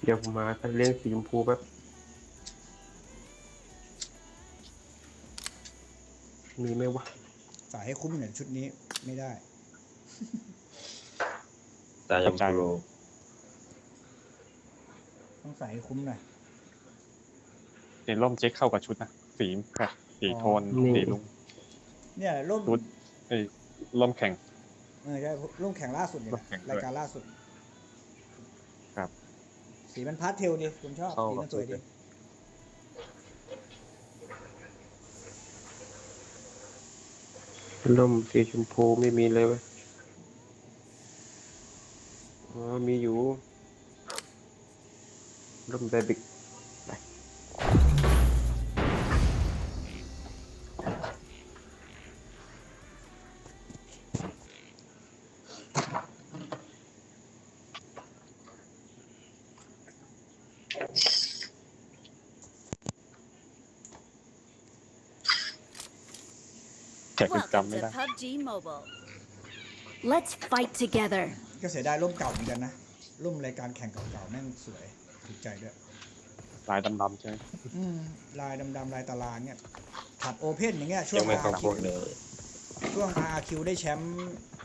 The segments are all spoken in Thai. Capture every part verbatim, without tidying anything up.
เดี๋ยวผมมาคัดเลี้ยงสีชมพูแป๊บมีไหมวะใส่ให้คุ้มหน่อยชุดนี้ไม่ได้ตายังโปรต้องใส่ให้คุ้มหน่อยเห็นร่มเจ๊เข้ากับชุดนะสีแบบสีโทนสีลุงเนี่ยร่มชุดไอ้ร่มแข่งเออใช่ร่มแข่งล่าสุดเนี่ยร่มแข่งด้วยรายการล่าสุดครับสีมันพาสเทลดิคุณชอบเข้าสีกับมันสวยชุดีดร่มสีชมพูไม่มีเลยวะอ๋อมีอยู่ร่มแบบิกแข่งจ Welcome ำไม่ to ได้พับจี Mobile. Let's fight together. ก็เสียดายร่มเก่าเหมือนกันนะร่มรายการแข่งเก่าๆแม่งสวยถูกใจด้วยลายดำๆใช่ไหมอืมลายดำๆลายตารางเนี่ยถัดโอเพ่นอย่างเงี้ยช่วยัง งไม่เข้าอาร์พคิววกเลยช่วง อาร์ คิว ได้แชมป์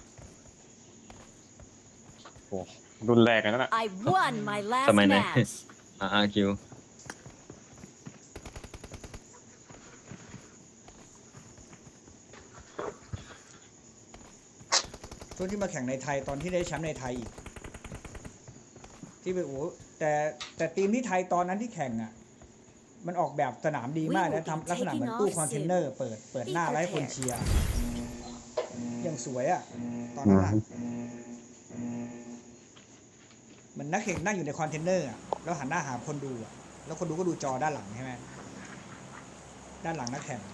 โอ้รุ่นแรกเลยนั่นแหละ I won my last สมัยไหน match. อาร์คิวช่วงที่มาแข่งในไทยตอนที่ได้แชมป์ในไทยอีก ที่ไปโอ้แต่แต่ทีมที่ไทยตอนนั้นที่แข่งอ่ะ มันออกแบบสนามดีมากนะทำลักษณะเหมือนตู้คอนเทนเนอร์เปิดเปิดหน้าไว้ให้คนเชียร์อย่างสวยอ่ะ ตอนนั้นอ่ะมันนักแข่งนั่งอยู่ในคอนเทนเนอร์อ่ะแล้วหันหน้าหาคนดูอ่ะแล้วคนดูก็ดูจอด้านหลังใช่ไหมด้านหลังนักแข่ง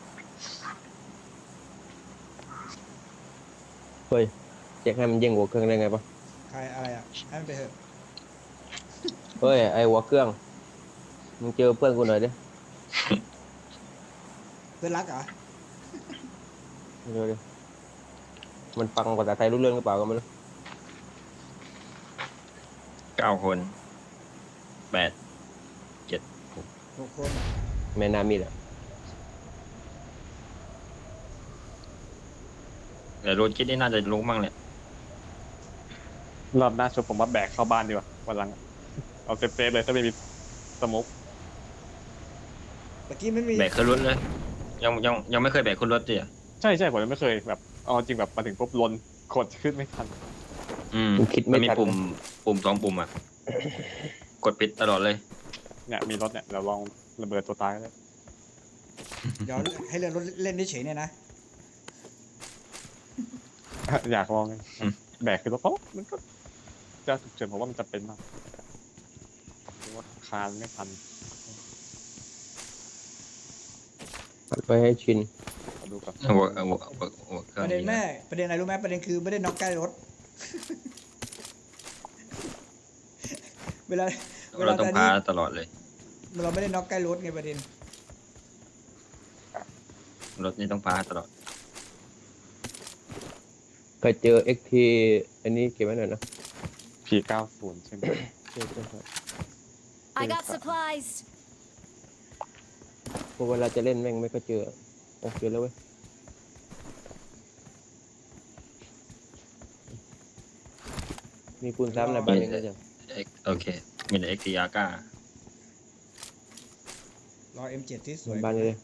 เฮ้ยเจ๊ให้มันเย่งหัวเครื่องได้ไงปะใครอะไรอ่ะให้มันไปเถอะเฮ้ยไอหัวเครื่องมึงเจอเพื่อนกูหน่อยดิเพื่อนรักเหรอเร็วดิมันฟังภาษาไทยรู้เรื่องหรือเปล่าก็ไม่รู้เก้าคนแปดหกคนแม่นามีดอ่ะแต่รถคิดนี่น่าจะลงบ้างแหละรอบหน้าชวนผมว่าแบกเข้าบ้านดีกว่าวันหลังเอาเซฟๆเลยถ้าไม่มีสมุกเมื่อกี้ไม่มีแบกขึ้นรถเลย ยังยังยังไม่เคยแบกขึ้นรถดิอ่ะใช่ใช่ผมยังไม่เคยแบบเอาจริงแบบมาถึงปุ๊บลนกดขึ้นไม่ทันอืมมึงคิดไม่มันมีทันปุ่มปุ่มสองปุ่มอ่ะ กดปิดตลอดเลยเนี่ยมีรถเนี่ยเราลองระเบิดตัวตายเลยเดี๋ยวให้เล่นรถเล่นได้เฉยเนี่ยนะอยากลองไงอืมแบกขึ้นรถเพราะมันก็จะฉุกเฉินผมว่ามันจะเป็นมากหรือว่าคานไม่ทันปัดไปให้ชินมาดูก่อนหัวหัวหัวหัวเครื่ปองระเด็นนี้แม่ประเด็นอะไรรู้ไหมประเด็นคือไม่ได้น็อกใกล้รถ เวลาเวลาเราต้องตอนพานี้ตลอดเลยเราไม่ได้น็อกใกล้รถไงประเด็นรถนี่ต้องพาตลอดเคยเจอเอ็กทีอันนี้เก็บไว้หน่อยนะพีเก้าศูนย์ใช่ไหมใช่ใช่ใช่ I got supplies. เพราะเวลาจะเล่นแม่งไม่ก็เจอโอเคแล้วเว้ยมีคูณซ้ำในบ้านเองนะจ๊ะเอ็กโอเค มีแต่เอ็กซ์ทีอาร์ก้ารอ เอ็ม เจ็ด ที่สวยบ้านนี้เลย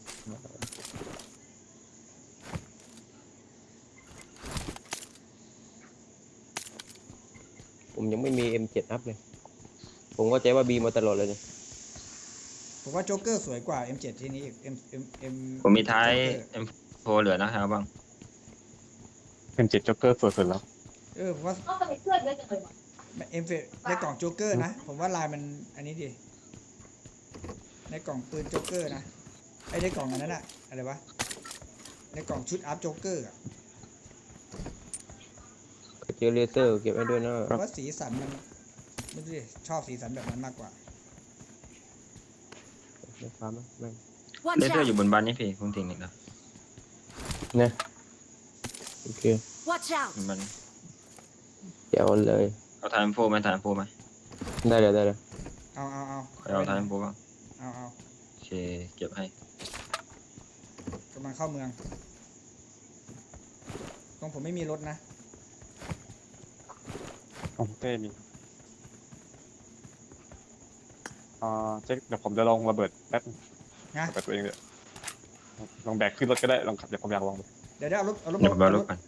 ผมยังไม่มี เอ็ม เจ็ด อัพเลย ผมก็ใจว่าบีมาตลอดเลยเนี่ยผมว่าโจ๊กเกอร์สวยกว่า เอ็ม เจ็ด ที่นี้อีก M M M ผมมีท้าย เอ็ม โฟร์ เหลือนะฮะบ้างเป็นเจ็ดจ็อกเกอร์สวยสุดแล้วเออผมว่าก็ไปเพื่อนเยอะจังเลยวะเอ็มในกล่องโจ๊กเกอร์นะ ผมว่าลายมันอันนี้ดี ในกล่องปืนโจ๊กเกอร์นะไอ้ในกล่องอันนั้นอะอะไรวะ ในกล่องชุดอัพโจ๊กเกอร์อะเจอเลเซอร์เก็บไว้ด้วยนะผมว่าสีสันมันไม่รู้ดิชอบสีสันแบบนั้นมากกว่าไม่ฟ้ามั้งแม่ง Watch เลเซอร์อยู่ out. บนบ้านนี่พี่ผมทิ้งอีกแล้วนะโอเค Watch out. มันเดี๋ยวเลยเอาถ่าย เอ็ม โฟร์ ไหมถ่าย เอ็ม โฟร์ ไหมได้เลยได้เลยเอาเอาเอาเอาไปเอาท้ายผมบ้างเอาเอาโอเคเก็บให้กำลังเข้าเมืองตรงผมไม่มีรถนะของเต้มีอ่าเจ๊เดี๋ยวผมจะลองระเบิดแป๊บนึงนะระเบิดตัวเองเลยลองแบกขึ้นรถก็ได้ลองขับเดี๋ยวผมอยากลองดูเดี๋ยวเดี๋ยวเอารถเอารถเดี๋ยวผมเอารถก่อน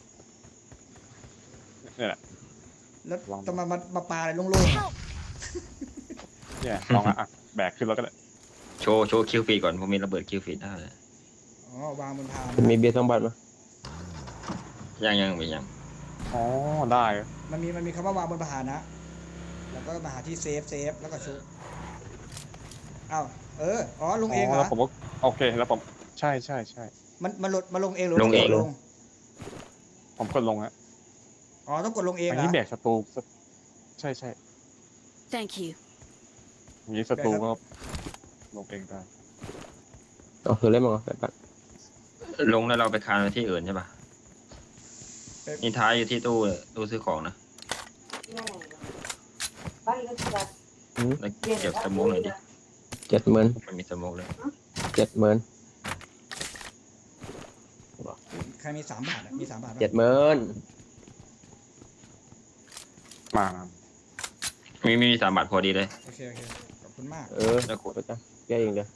เนี่ยแหละแล้วลองดูต้องมามามาปาอะไรโล่ง Help! เนี่ยลองอ่ะอ่ะแบกขึ้นรถก็ได้โชว์โชว์คิวฟีดก่อนผมมีระเบิดคิวฟีดได้ๆอ๋อวางบนพานมีเบียร์สองบาทไหมยังยังมียังอ๋อได้มันมีมันมีคำว่าวางบนพานนะแล้วก็มาหาที่เซฟเซฟแล้วก็ชุบอ้าวเอออ๋อลงเองเหรแล้อวผมก็โอเคแล้วผมใช่ใช่ใช่มันมันลดมาลงเองหรือลงเองกดลงผมกดลงฮะอ๋อต้องกดลงเองอันเหรอนี้แบกสตูใช่ใช่ Thank you. อย่างนี้สตูก็ลงเองได้เอาคือเล่นมั้งเหรอแปดบาทลงแล้วเราไปคานไปที่อื่นใช่ปะไปนี่ท้ายอยู่ที่ตู้ตู้ซื้อของนะแล้วเก็บสโมุกหน่อยดิเจ็ดหมื่นมันมีสโมุกเลยเจ็ดหมื่นใครมีสามบาทอะมีสามบาทปะเจ็ดหมื่นมามีมีสามบาทพอดีเลยโอเคโอเคขอบคุณมากเออไปจ้ะแกเองเด้อ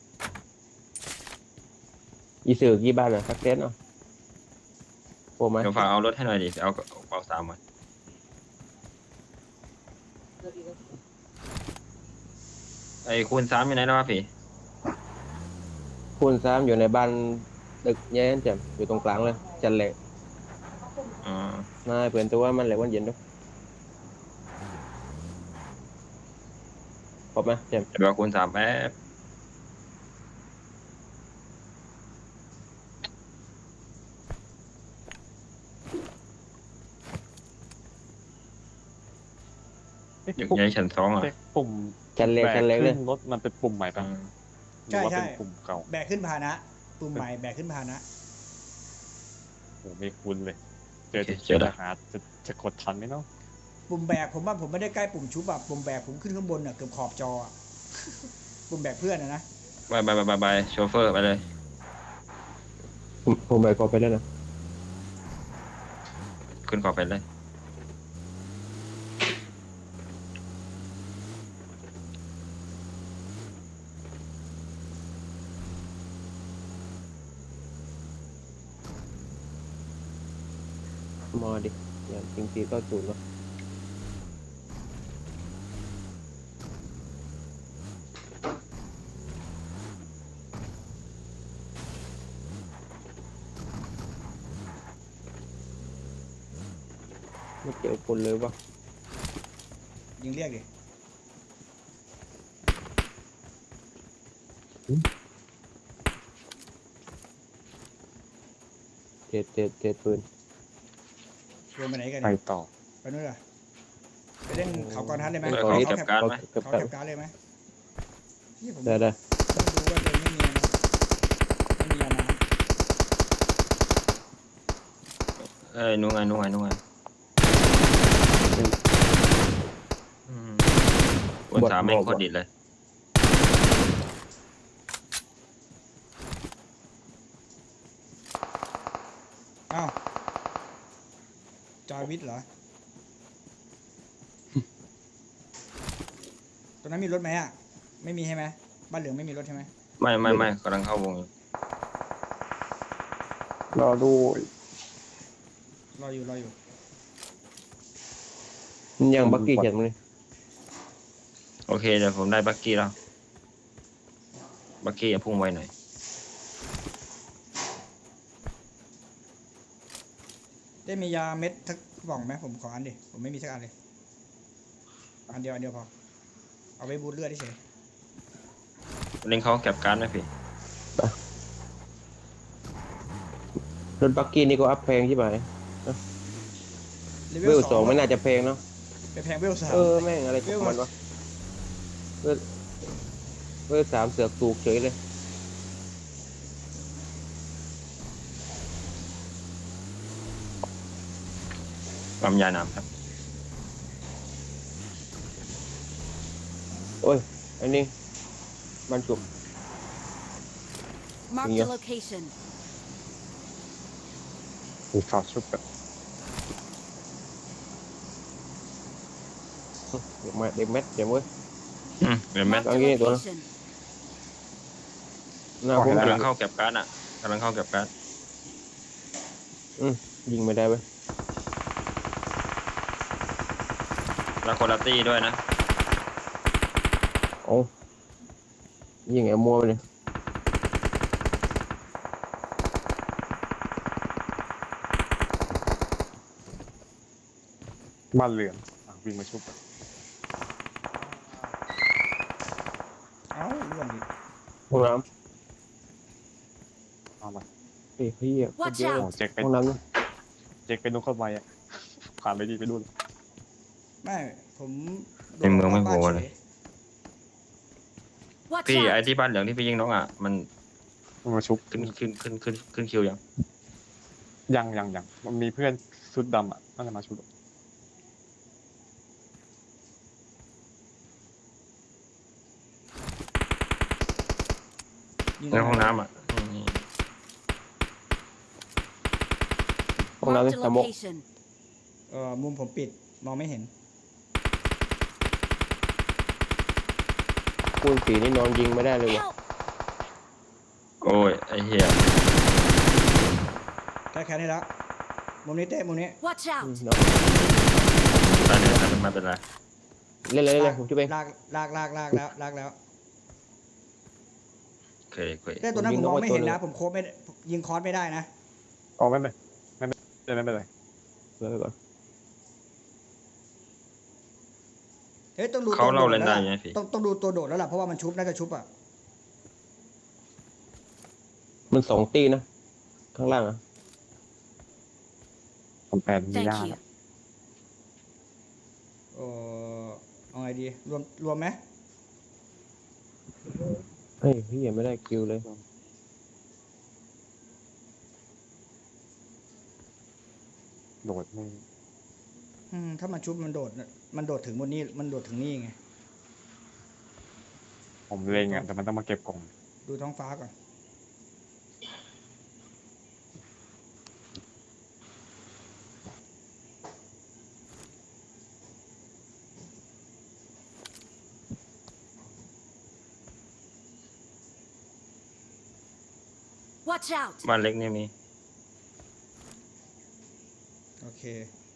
อีสื่อกี่บาทเหรอสักเซนเนาะโอ้ไหมเดี๋ยวฝากเอารถให้หน่อยดิเอากระเป๋าสามมาไอ้คูณสามอยู่ไหนแล้ววะพี่คูณสามอยู่ในบ้านตึกแย่นแจ่มอยู่ตรงกลางเลยจันเหล็กอ๋อนายเพื่อนตัวมันเหล็กวันเย็นด้วยครบไหมแจ่มเดี๋ยวเอาคูณสามแป๊บเอ๊ะอยู่ปุ่มในชั้นสองอ่ะเอ๊ะปุ่มจันเหล็กแบกจันเหล็กเลขึ้ยนรถมันเป็นปุ่มใหม่ปะอืมหรือว่าเป็นปุ่มเก่าแบกขึ้นพาหนะปุ่มใหม่แบกขึ้นพาหนะโอ้ไม่คุ้นเลย เจอโอเคจะเจอแล้วหาจะจะกดทันไหมเนาะปุ่มแบกผมว่าผมไม่ได้ใกล้ปุ่มชุบอะปุ่มแบกผมขึ้นข้างบนอะเกือบขอบจออะ ปุ่มแบกเพื่อนอะนะบายบายบายบายบายโชเฟอร์ไปเลยผมผมไปขอไปแล้วนะขึ้นขอบไปเลยมอดิอย่างจริงทีก็ศูนย์เนาะไม่เจอคนเลยวะยิงเรียกดิเจ็ดเจ็ดเจ็ดปืนรวมไปไหนกันไปเนี่ยต่อไปนู่นเหรอไปเล่นเขากอนทัดเลยไหมเออเขาเขาเขาแคแคปปการ์ดไหมเก็บเขากันแคปการ์ดเลยไหมนี่ผมได้ได้ต้องดูว่าตัวเองไม่มีนะไม่มียาน้เอ้ยนู่นไงนู่นไงนู่นไงอืมคูณสามแม่งโคตรดิดเลยำอ้าวจอยวิทย์เหรอ ตรงนั้นมีรถไหมอ่ะ ไม่มีใช่ไหมบ้านเหลืองไม่มีรถใช่ไหมไม่ไม่ไม่กำลังเข้าวงอยู่รอดูรออยู่รออยู่มันยังบักกี้เขียนมาเลยโอเคเดี๋ยวผมได้บักกี้แล้วบักกี้อย่าพุ่งไวหน่อยได้มียาเม็ดทักกล่องไหมผมขออันดิผมไม่มีสักอันเลย อันเดียวอันเดียวพอ เอาไว้บูทเลือดเฉยเล่นเขาแคปการ์ดไหมพี่รถบักกี้นี่ก็อัพแพงใช่ไหมเลเวลสองไม่น่าจะแพงเนาะไปแพงเวลสามเออแม่งอะไรของมันวะเวลเวลสามเสือกถูกเฉยเลยปั๊มยาน้ำครับโอ้ยอันนี้มันจุบ Marked Yeah. a location. มีข่าวชุบแบบเดี๋ยวมาเด็กเม็ดเดี๋ยวเว้ยอืมเดี๋ยวแม่ Marked a Ang ginito, no? location. หน้าผมกำลังเข้าเก็บการ์ดอ่ะกำลังเข้าเก็บการ์ดยิงไม่ได้เว้ยแล้วคนละตี้ด้วยนะโอ้ยิงไอ้มัวไปเลยบ้านเหลืองอ่ะวิ่งมาชุบแบบเอ้าล่วงอีกห้องน้เอามาำเฮ้ยพี่อ่ะโคตร Watch เยอะโอ้เลยเจ๊กไปห้องน้ำนะเจ๊กไปนุ่งเข้าไปอ่ะผ่านไปดีไปดูเลยไม่ผมโดในเมืองไม่โผล่บ้านเลยฉ Watch พี่ไอ้ out. ที่บ้านเหลืองที่พี่ยิงน้องอ่ะมันมันมาชุบขึ้นขึ้นขึ้นขึ้นขึ้นคิวยังยังยังยังมันมีเพื่อนชุดดำอ่ะน่าจะมาชุบยิงในห้องน้ำอ่ะอืมห้องน้ำ Marked นี่ a สมก location. เอ่อมุมผมปิดมองไม่เห็นคูณสีนี่นอนยิงไม่ได้เลยว่ะ Help! โอ้ยไอ้เหี้ยแค่แค่นี้แล้วมุมนี้เต้มุมนี้ Watch อืม out. นอนได้เลยได้เลยไม่เป็นไรเล่นเลยเล่นเลยผมช่วยไปลากลากลากลากแล้วลากแล้วโอเคโอเคเต้ตัวนั้นผมผยิมงมองน้องไม่ไว้เห็นตัวหนึ่นะงผมโค้ดไม่ได้ยิงคอร์สไม่ได้นะอ๋อไม่เป็นไรไม่เป็นไรไม่เป็นไรเดี๋ยวไปก่อนเฮ้ยต้องดูเขาตัวโดเล่าดเล่นแล้วได้ล่ะไงพี่ต้องต้องดูตัวโดดแล้วล่ะเพราะว่ามันชุบน่าจะชุบอ่ะมันสองตีนะ ข้างล่างอ่ะผมแปลมี Thank ยา you. แล้วเออเอาไงดีรวมรวมไหมเฮ้ยพี่ยังไม่ได้คิวเลยโดดไม่อืมถ้ามันชุบมันโดดน่ะมันโดดถึงบนนี้มันโดดถึงนี่ไงผมเล็งอ่ะแต่มันต้องมาเก็บกล่องดูท้องฟ้าก่อน Watch out. บ้านเล็กนี่มีโอเค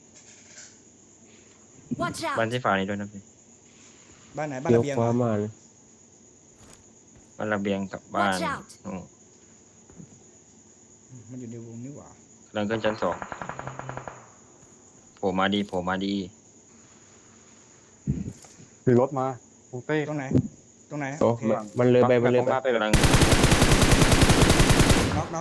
Watch บ้าน out. ที่ฝ่านี้ด้วยนะพี่บ้านไหนบ้านเดี๋ยวระเบียงคว้าเหรอมาเลยบ้านระเบียงกับบ้าน Watch out อืมอืมมันอยู่ในวงนี่หว่ากำลังขึ้นชั้นสองโผล่มาดีโผล่มาดีมีรถมาตรงเต้ตรงไหน ตรงไหนโอ้โอเคมันมันเลยไปมันเลยตรงไปหน้าเต้เลยกำลังน็อกน็อก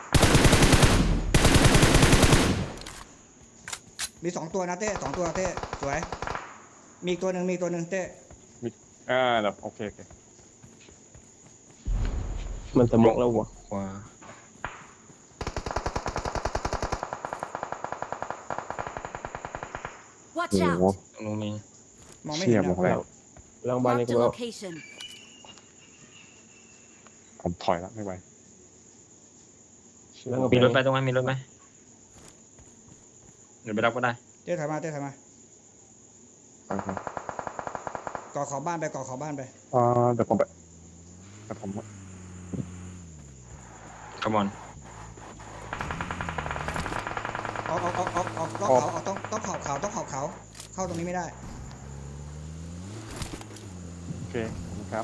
มีสองตัวนะเต้สองตัวเต้สวย มีอีกตัวหนึ่งมีอีกตัวหนึ่งเต้อ่าแบบโอเคโอเคมันสมกแล้ววะขวา Watch โอ้โห out. ตรงนู้นมีมองไม่เชี่เห็ยนมองนะแล้วล่างบ้านนี่ Marked ก็ a บอก location. ผมถอยแล้วไม่ไหวแล้วก็มีรถไปตรงนั้นมีรถไหมเดี๋ยวไปรับก็ได้เต้ถอยมาเต้ถอยมาไปครับก่อขอบบ้านไปก่อขอบบ้านไปอ่าเดี๋ยวผมไปเดี๋ยวผมขมอนออกออกออกออกออกต้องเขาออกต้องต้องเขาเขาต้องเขาเขาเข้าตรงนี้ไม่ได้โอเคขอบคุณครับ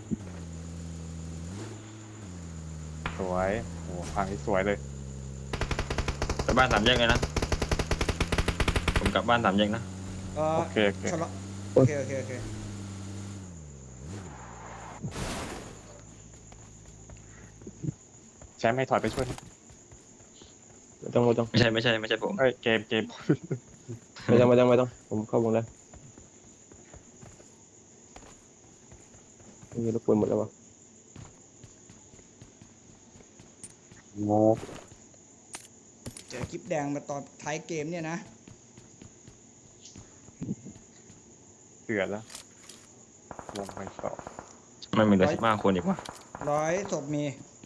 สวยโอ้ทางนี้สวยเลยไปบ้านสามแยกเลยนะ ผมกลับบ้านสามแยกนะเออโอเคโอเคชะลอโอเคโอเคโอเคแชมป์ให้ถอยไปช่วยนะไม่ต้องไม่ต้องไม่ใช่ไม่ใช่ไม่ใช่ผมเอ้ยเกมเกมไม่ต้องไม่ต้องไม่ต้องผมเข้าวงแล้วมีรบกวนหมดแล้ววะโงกเจอคลิปแดงมาตอนท้ายเกมเนี่ยนะเดือดแล้ววงไปสองไม่มีเหลือสิบห้าคนอีกวะร้อยศพมี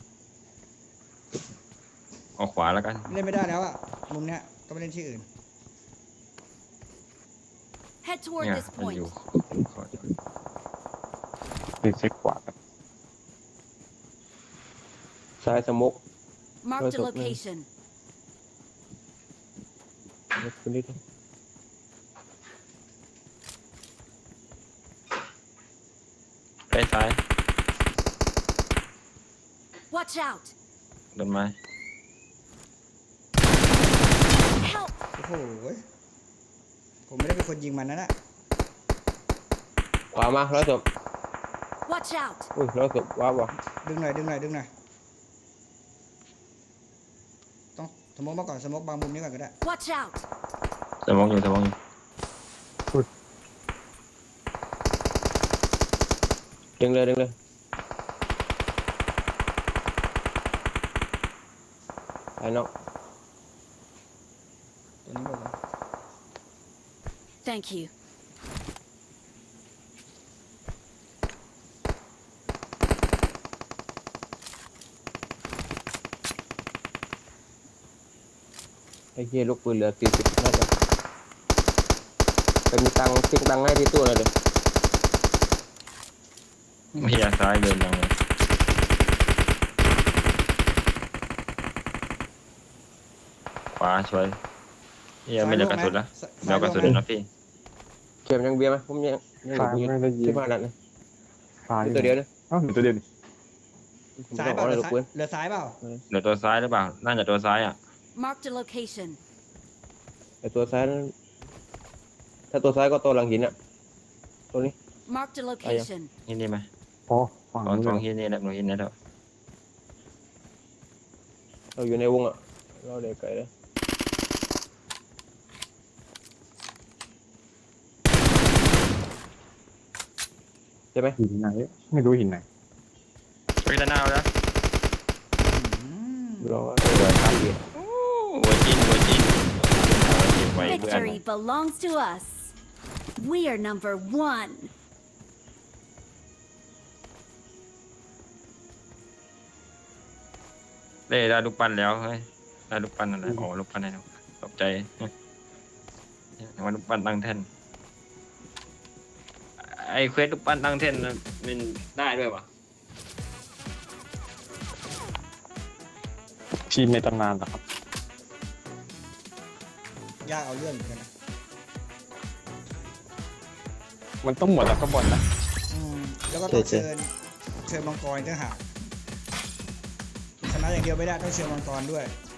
เอาขวาแล้วกันเล่นไม่ได้แล้วอ่ะมุมเนี้ยก็ไปเล่นที่อื่น Head toward เนี่ย this มัน point. อยู่ขอรีเช็คขวากันซ้ายสมก Marked a Where's the- location. คุณนิดไปซ้าย Watch out! ต้นไม้ Help! โอ้โหผมไม่ได้เป็นคนยิงมันนั่นแหละขวามาร้อยศพ Watch out! อุ้ยร้อยศพว้าวว่ะดึงหน่อยดึงหน่อยดึงหน่อยต้องสมมติมาก่อนสมมติบางมุมนี้ก่อนก็ได้ Watch out! สมองอยู่สมองอยู่ดึงเลยดึงเลยไอ้นอกตัวนี้บอกว่า Thank you. ไอ้เหี้ยลูกปืนเหลือสี่สิบน่าจะไปมีตังค์ทิ้งตังค์ให้ที่ตู้เลยเดี๋ยวไม่อยากซ้ายเดินยังเลยขวาช่วยเฮียไม่เหลือกระสุนละเดี๋ยวกระสุนเลยนะพี่เข็มยังเบียร์ไหมผมยังยังซ้ายอยู่ไม่ได้ยิงที่บ้านนั่นนะซ้ายมีตัวเดียวนะอ้าวเหลือตัวเดียวนี่ผมซ้ายต้องเปขอล่าเลยเหลืลูอก ซ้ายปืนเหลือซ้ายเปล่าเหลือตัวซ้ายหรือเปล่า น่าจะตัวซ้ายอ่ะ Marked a location. ไอ้ตัวซ้ายนั้นถ้าตัวซ้ายก็ตัวหลังหินอ่ะตัวนี้ Marked a location. นี่นี่ไหมอ๋อฝั่งสองนู้นสองเลยหินนี่แหละหนูหินนี่แหละเราอยู่ในวงอ่ะเราเด็กไก่เลยใช่ไหมหินไหนไม่รู้หินไหนไปด้านหน้าแล้วอืมรอตัวข้ามเหรียญหัวจินหัวจินไว้เพื่อน Victory belongs to us. We are number one. เล่ได้ลูกปั้นแล้วเฮ้ยได้ลูกปั้นอะไรอ๋อลูกปั้นไหนนะตกใจว่าลูกปั้นตั้งแท่นไอ้เควสลูกปั้นตั้งแท่นนะมันได้ด้วยวะทีมในตำนานเหรอครับยากเอาเรื่องเหมือนกันนะมันต้องหมดแล้วก็บอลนะอืมแล้วก็ต้องเชิญเชิญมังกรอีกต่างหากชนะอย่างเดียวไม่ได้ต้องเชิญมังกรด้วย